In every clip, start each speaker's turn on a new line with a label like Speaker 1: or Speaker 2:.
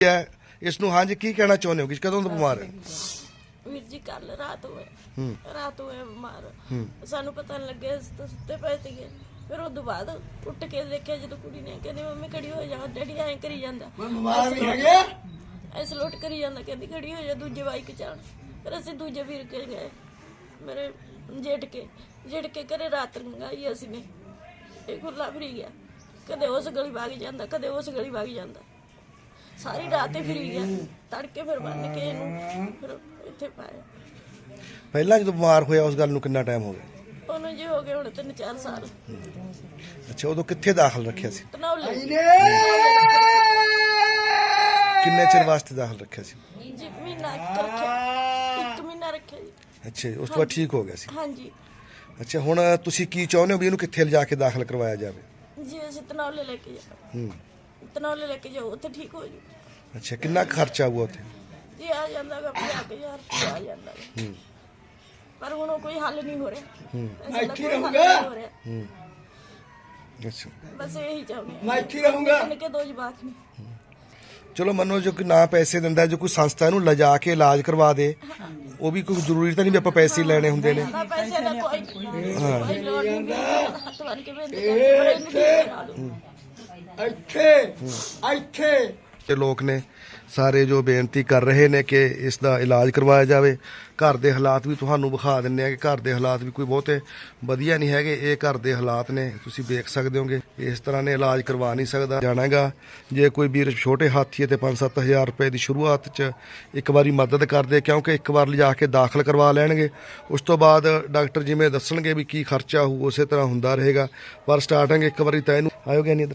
Speaker 1: ਇਸ ਨੂੰ ਹਾਂਜੀ ਕੀ ਕਹਿਣਾ ਚਾਹੁੰਦੇ ਹੋ ਕਿ ਕਦੋਂ ਤੋਂ ਬਿਮਾਰ ਹੈ?
Speaker 2: ਵੀਰ ਜੀ ਕੱਲ ਰਾਤ ਹੋਏ ਬਿਮਾਰ। ਸਾਨੂੰ ਪਤਾ ਨਹੀਂ ਲੱਗਿਆ, ਅਸੀਂ ਤਾਂ ਸੁੱਤੇ ਪਏ ਸੀਗੇ। ਫਿਰ ਉਹ ਤੋਂ ਬਾਅਦ ਉੱਠ ਕੇ ਦੇਖਿਆ ਜਦੋਂ ਕੁੜੀ ਨੇ, ਕਹਿੰਦੀ ਮੰਮੀ ਖੜੀ ਹੋ ਜਾ, ਡੈਡੀ ਐਂ ਕਰੀ ਜਾਂਦਾ, ਐਸ ਲੋਟ ਕਰੀ ਜਾਂਦਾ, ਕਹਿੰਦੀ ਖੜੀ ਹੋ ਜਾ ਦੂਜੇ ਬਾਈਕ ਚ ਆਣ। ਫਿਰ ਅਸੀਂ ਦੂਜੇ ਵੀਰ ਕੇ ਗਏ, ਮੇਰੇ ਜੇਠ ਕੇ ਘਰੇ ਰਾਤ ਲੰਘਾਈ ਅਸੀਂ ਨੇ। ਇਹ ਖੁੱਲਾ ਫਰੀ ਗਿਆ, ਕਦੇ ਉਸ ਗਲੀ ਵਗ ਜਾਂਦਾ, ਕਦੇ ਉਸ ਗਲੀ ਵਗ ਜਾਂਦਾ, ਸਾਰੀ ਰਾਤ ਹੀ ਫਿਰੀ ਗਿਆ। ਤੜਕੇ ਫਿਰ ਬੰਨ ਕੇ ਇਹਨੂੰ ਫਿਰ ਇੱਥੇ ਪਾਇਆ।
Speaker 1: ਪਹਿਲਾਂ ਜਦੋਂ ਬਿਮਾਰ ਹੋਇਆ ਉਸ ਗੱਲ ਨੂੰ ਕਿੰਨਾ ਟਾਈਮ ਹੋ ਗਿਆ?
Speaker 2: ਉਹਨੂੰ ਜੀ ਹੋ ਗਏ ਹੁਣ 3-4 ਸਾਲ।
Speaker 1: ਅੱਛਾ, ਉਦੋਂ ਕਿੱਥੇ ਦਾਖਲ ਰੱਖਿਆ ਸੀ?
Speaker 2: ਤਨੌਲੇ
Speaker 1: ਕਿੰਨੇ ਚਿਰ ਵਾਸਤੇ ਦਾਖਲ ਰੱਖਿਆ ਸੀ?
Speaker 2: ਜੀ ਮਹੀਨਾ ਰੱਖਿਆ, 1 ਮਹੀਨਾ ਰੱਖਿਆ ਜੀ।
Speaker 1: ਅੱਛਾ, ਉਸ ਤੋਂ ਬਾਅਦ ਠੀਕ ਹੋ ਗਿਆ ਸੀ?
Speaker 2: ਹਾਂਜੀ
Speaker 1: ਅੱਛਾ, ਹੁਣ ਤੁਸੀਂ ਕੀ ਚਾਹੁੰਦੇ ਹੋ ਵੀ ਇਹਨੂੰ ਕਿੱਥੇ ਲਿਜਾ ਕੇ ਦਾਖਲ ਕਰਵਾਇਆ ਜਾਵੇ?
Speaker 2: ਜੀ ਅਸੀਂ ਤਨੌਲੇ ਲੈ ਕੇ ਜਾਓ, ਤਨੌਲੇ ਲੈ ਕੇ ਜਾਓ, ਉੱਥੇ ਠੀਕ ਹੋ ਜੂ।
Speaker 1: ਅੱਛਾ, ਕਿੰਨਾ ਖਰਚਾ ਆਊਗਾ ਉੱਥੇ?
Speaker 2: ਜੀ ਆ ਜਾਂਦਾ ਗਾ 50,000 ਆ ਜਾਂਦਾ ਗਾ। ਪਰ ਹੁਣ ਉਹ ਕੋਈ ਹੱਲ ਨਹੀਂ ਹੋ ਰਿਹਾ। ਇੱਥੇ ਰਹੂੰਗਾ।
Speaker 1: ਅੱਛਾ,
Speaker 2: ਬਸ ਇਹੀ ਚਾਹੁੰਦੇ
Speaker 3: ਮੈਂ ਇੱਥੇ ਰਹੂੰਗਾ।
Speaker 2: ਕਿ 2 ਜਵਾਕ ਨੇ।
Speaker 1: ਚਲੋ ਮੰਨੋ ਜੋ ਕਿ ਨਾ ਪੈਸੇ ਦਿੰਦਾ, ਜੋ ਕੋਈ ਸੰਸਥਾ ਇਹਨੂੰ ਲਿਜਾ ਕੇ ਇਲਾਜ ਕਰਵਾ ਦੇ, ਉਹ ਵੀ ਕੋਈ ਜ਼ਰੂਰੀ ਤਾਂ ਨਹੀਂ ਵੀ ਆਪਾਂ ਪੈਸੇ ਲੈਣੇ ਹੁੰਦੇ ਨੇ।
Speaker 2: ਨਾ ਪੈਸੇ ਦਾ ਕੋਈ ਲੋੜ ਨਹੀਂ, ਹੱਥ ਬੰਨ ਕੇ ਬੇਨਤੀ ਕਰਦੇ
Speaker 3: ਇੱਥੇ
Speaker 1: ਤੇ ਲੋਕ ਨੇ ਸਾਰੇ ਜੋ ਬੇਨਤੀ ਕਰ ਰਹੇ ਨੇ ਕਿ ਇਸ ਦਾ ਇਲਾਜ ਕਰਵਾਇਆ ਜਾਵੇ। ਘਰ ਦੇ ਹਾਲਾਤ ਵੀ ਤੁਹਾਨੂੰ ਵਿਖਾ ਦਿੰਦੇ ਆ ਕਿ ਘਰ ਦੇ ਹਾਲਾਤ ਵੀ ਕੋਈ ਬਹੁਤੇ ਵਧੀਆ ਨਹੀਂ ਹੈਗੇ। ਇਹ ਘਰ ਦੇ ਹਾਲਾਤ ਨੇ, ਤੁਸੀਂ ਦੇਖ ਸਕਦੇ ਹੋਗੇ। ਇਸ ਤਰ੍ਹਾਂ ਨੇ ਇਲਾਜ ਕਰਵਾ ਨਹੀਂ ਸਕਦਾ ਜਾਣਾਗਾ। ਜੇ ਕੋਈ ਵੀਰ ਛੋਟੇ ਹਾਥੀ ਤੇ 5-7 ਹਜ਼ਾਰ ਰੁਪਏ ਦੀ ਸ਼ੁਰੂਆਤ 'ਚ ਇੱਕ ਵਾਰੀ ਮਦਦ ਕਰਦੇ, ਕਿਉਂਕਿ ਇੱਕ ਵਾਰ ਲਿਜਾ ਕੇ ਦਾਖਲ ਕਰਵਾ ਲੈਣਗੇ, ਉਸ ਤੋਂ ਬਾਅਦ ਡਾਕਟਰ ਜਿਵੇਂ ਦੱਸਣਗੇ ਵੀ ਕੀ ਖਰਚਾ ਹੋਊ ਉਸੇ ਤਰ੍ਹਾਂ ਹੁੰਦਾ ਰਹੇਗਾ। ਪਰ ਸਟਾਰਟਿੰਗ ਇੱਕ ਵਾਰੀ ਤਾਂ ਇਹਨੂੰ ਆਇਓਗੇ ਨਹੀਂ ਇੱਧਰ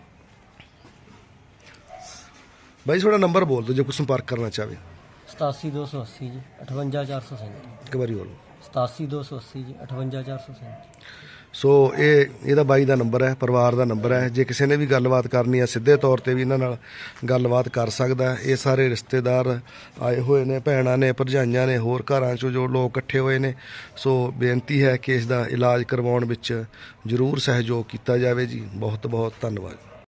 Speaker 1: भाई, थोड़ा नंबर बोल दो जो कुछ संपर्क करना चाहे।
Speaker 4: 87 280 जी 58 437।
Speaker 1: एक बार बोलो।
Speaker 4: 87 280 जी 58 437।
Speaker 1: ਸੋ ਇਹਦਾ ਬਾਈ ਦਾ ਨੰਬਰ ਹੈ, ਪਰਿਵਾਰ ਦਾ ਨੰਬਰ ਹੈ। ਜੇ ਕਿਸੇ ਨੇ ਵੀ ਗੱਲਬਾਤ ਕਰਨੀ ਹੈ ਸਿੱਧੇ ਤੌਰ ਤੇ ਵੀ ਇਹਨਾਂ ਨਾਲ ਗੱਲਬਾਤ ਕਰ ਸਕਦਾ। ਇਹ ਸਾਰੇ ਰਿਸ਼ਤੇਦਾਰ ਆਏ ਹੋਏ ਨੇ, ਭੈਣਾਂ ਨੇ, ਭਰਜਾਈਆਂ ਨੇ, ਹੋਰ ਘਰਾਂ 'ਚੋਂ ਜੋ ਲੋਕ ਇਕੱਠੇ ਹੋਏ ਨੇ। ਸੋ ਬੇਨਤੀ ਹੈ ਕਿ ਇਸ ਦਾ ਇਲਾਜ ਕਰਵਾਉਣ ਵਿੱਚ ਜ਼ਰੂਰ ਸਹਿਯੋਗ ਕੀਤਾ ਜਾਵੇ ਜੀ। ਬਹੁਤ ਬਹੁਤ ਧੰਨਵਾਦ।